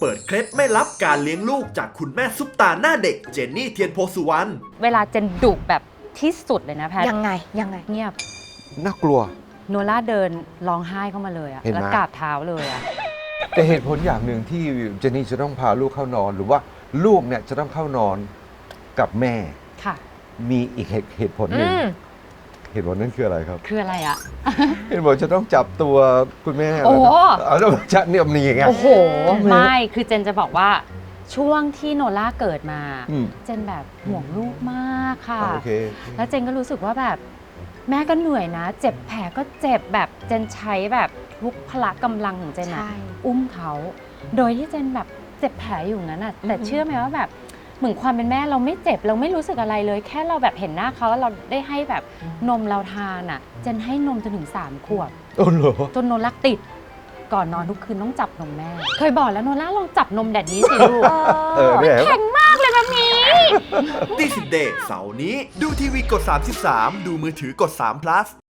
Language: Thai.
ปิดเคล็ดไม่ลับการเลี้ยงลูกจากคุณแม่ซุปตาหน้าเด็กเจนนี่เทียนโพสุวรรณเวลาเจนดุแบบที่สุดเลยนะแพทยังไงเงียบน่ากลัวโนล่าเดินร้องไห้เข้ามาเลยอะเห็นไหมแล้วกราบเท้าเลยอะแต่เหตุผลอย่างหนึ่งที่เจนนี่จะต้องพาลูกเข้านอน หรือว่าลูกเนี่ยจะต้องเข้านอนกับแม่ค่ะมีอีกเหตุผลหนึ่งเหตุผลนั้นคืออะไรครับคืออะไรอะเหตุผลจะต้องจับตัวคุณแม่โอ้แล้วจะเนี่ยมันอย่างเงี้ยโอ้โห ไม่คือเจนจะบอกว่าช่วงที่โนล่าเกิดมาอืมเจนแบบห่วงลูกมากค่ะโอเคแล้วเจนก็รู้สึกว่าแบบแม่ก็เหนื่อยนะ เจ็บแผลก็เจ็บแบบเจนใช้แบบทุกพละกำลังของเจนอะใช่อุ้มเขาโดยที่เจนแบบเจ็บแผลอยู่นั้นอะแต่เชื่อไหมว่าแบบเหมือนความเป็นแม่เราไม่เจ็บเราไม่รู้สึกอะไรเลย แค่เราแบบเห็นหน้าเขาแล้วเราได้ให้แบบนมเราทานอะเจนให้นมจนถึง3 ขวบโอ้โหจนโนล่าติดก่อนนอนทุกคืนต้องจับนมแม่ เคยบอกแล้วโนล่าลองจับนมแดดนี้สิลูกเนี่ยแข็งมากเลยแบบนี้ตีสิบเดย์เสาร์นี้ดูทีวีกด 33 ดูมือถือกด3 plus